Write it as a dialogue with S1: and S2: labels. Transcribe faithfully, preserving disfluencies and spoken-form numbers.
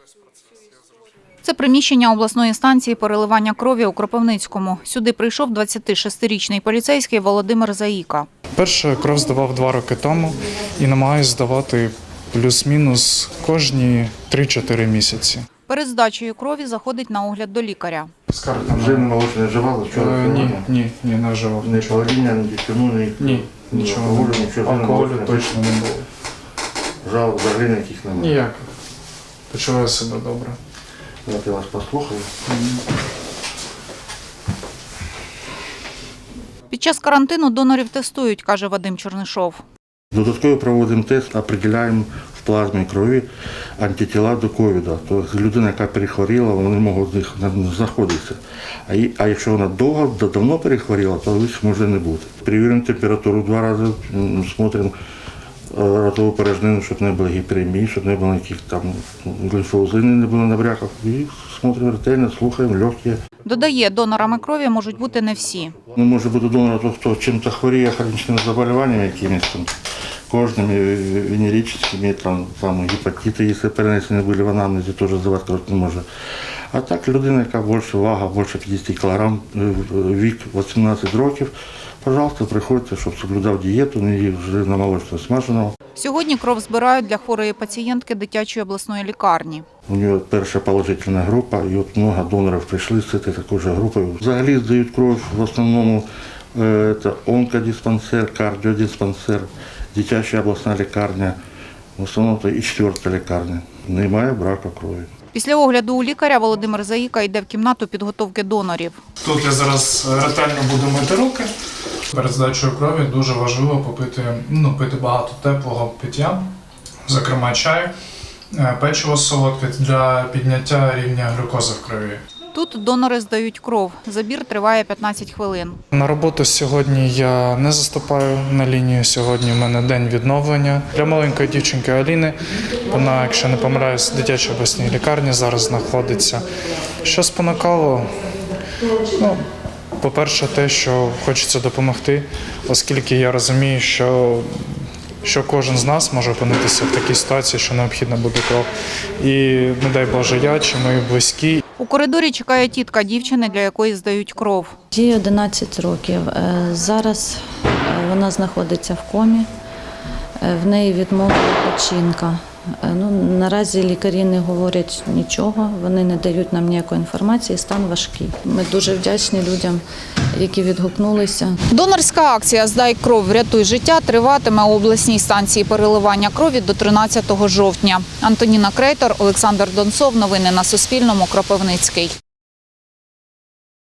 S1: Це приміщення обласної станції переливання крові у Кропивницькому. Сюди прийшов двадцятишестирічний поліцейський Володимир Заїка.
S2: Перше кров здавав два роки тому і намагаюся здавати плюс-мінус кожні три-чотири місяці.
S1: Перед здачею крові заходить на огляд до лікаря.
S3: Вже молоко не вживали?
S2: Е, ні, ні, ні, не вживав.
S3: Не паління, не дітину, ні,
S2: Ні, нічого не було.
S3: нічого
S2: Алкоголю точно не було.
S3: Жал, взагалі ніяких немає?
S2: Ніяк. Почуваю себе добре.
S3: Давайте я вас послухаю.
S1: Під час карантину донорів тестують, каже Вадим Чернишов.
S3: Додатково проводимо тест, определяємо в плазмі крові антитіла до ковіду. Тобто людина, яка перехворіла, вони можуть в них знаходитися. А якщо вона довго, давно перехворіла, то їх може не бути. Перевіримо температуру два рази, смотримо ротову порожнину, щоб не було гіперемії, щоб не було ніяких там гліфоузини, не було набряків. І смотримо ретельно, слухаємо, легкі.
S1: Додає, донорами крові можуть бути не всі.
S3: Не може бути донором, то, хто чим-то хворіє, хронічними заболіваннями якимись там, кожними, венерическими, там, там гепатити, якщо перенесені були в анамнезі, теж здавати кров не може. А так людина, яка більше вага, більше п'ятдесят кілограм, вік вісімнадцять років, пожалуйста, приходьте, щоб соблюдав дієту, не їв вже на молочно смаженого.
S1: Сьогодні кров збирають для хворої пацієнтки дитячої обласної лікарні.
S3: У нього перша положительна група, і от багато донорів прийшли з цією такою ж групою. Взагалі здають кров в основному це онкодиспансер, кардіодиспансер, дитяча обласна лікарня, в основному це і четверта лікарня. Немає браку крові.
S1: Після огляду у лікаря Володимир Заїка йде в кімнату підготовки донорів.
S2: Тут я зараз ретельно буду мити руки. Перед здачею крові дуже важливо попити, ну, пити багато теплого пиття, зокрема чай, печиво солодке для підняття рівня глюкози в крові.
S1: Тут донори здають кров. Забір триває п'ятнадцять хвилин.
S2: На роботу сьогодні я не заступаю на лінію. Сьогодні в мене день відновлення. Для маленької дівчинки Аліни, вона, якщо не помиляюсь, в дитячій обласній лікарні зараз знаходиться. Що спонукало? Ну, по-перше, те, що хочеться допомогти, оскільки я розумію, що що кожен з нас може опинитися в такій ситуації, що необхідно буде кров. І, не дай Боже, я чи мої близькі.
S1: У коридорі чекає тітка дівчини, для якої здають кров.
S4: Їй одинадцять років. Зараз вона знаходиться в комі, в неї відмовила печінка. Ну, наразі лікарі не говорять нічого, вони не дають нам ніякої інформації, стан важкий. Ми дуже вдячні людям, які відгукнулися.
S1: Донорська акція «Здай кров, врятуй життя» триватиме у обласній станції переливання крові до тринадцятого жовтня. Антоніна Крейтор, Олександр Донцов. Новини на Суспільному. Кропивницький.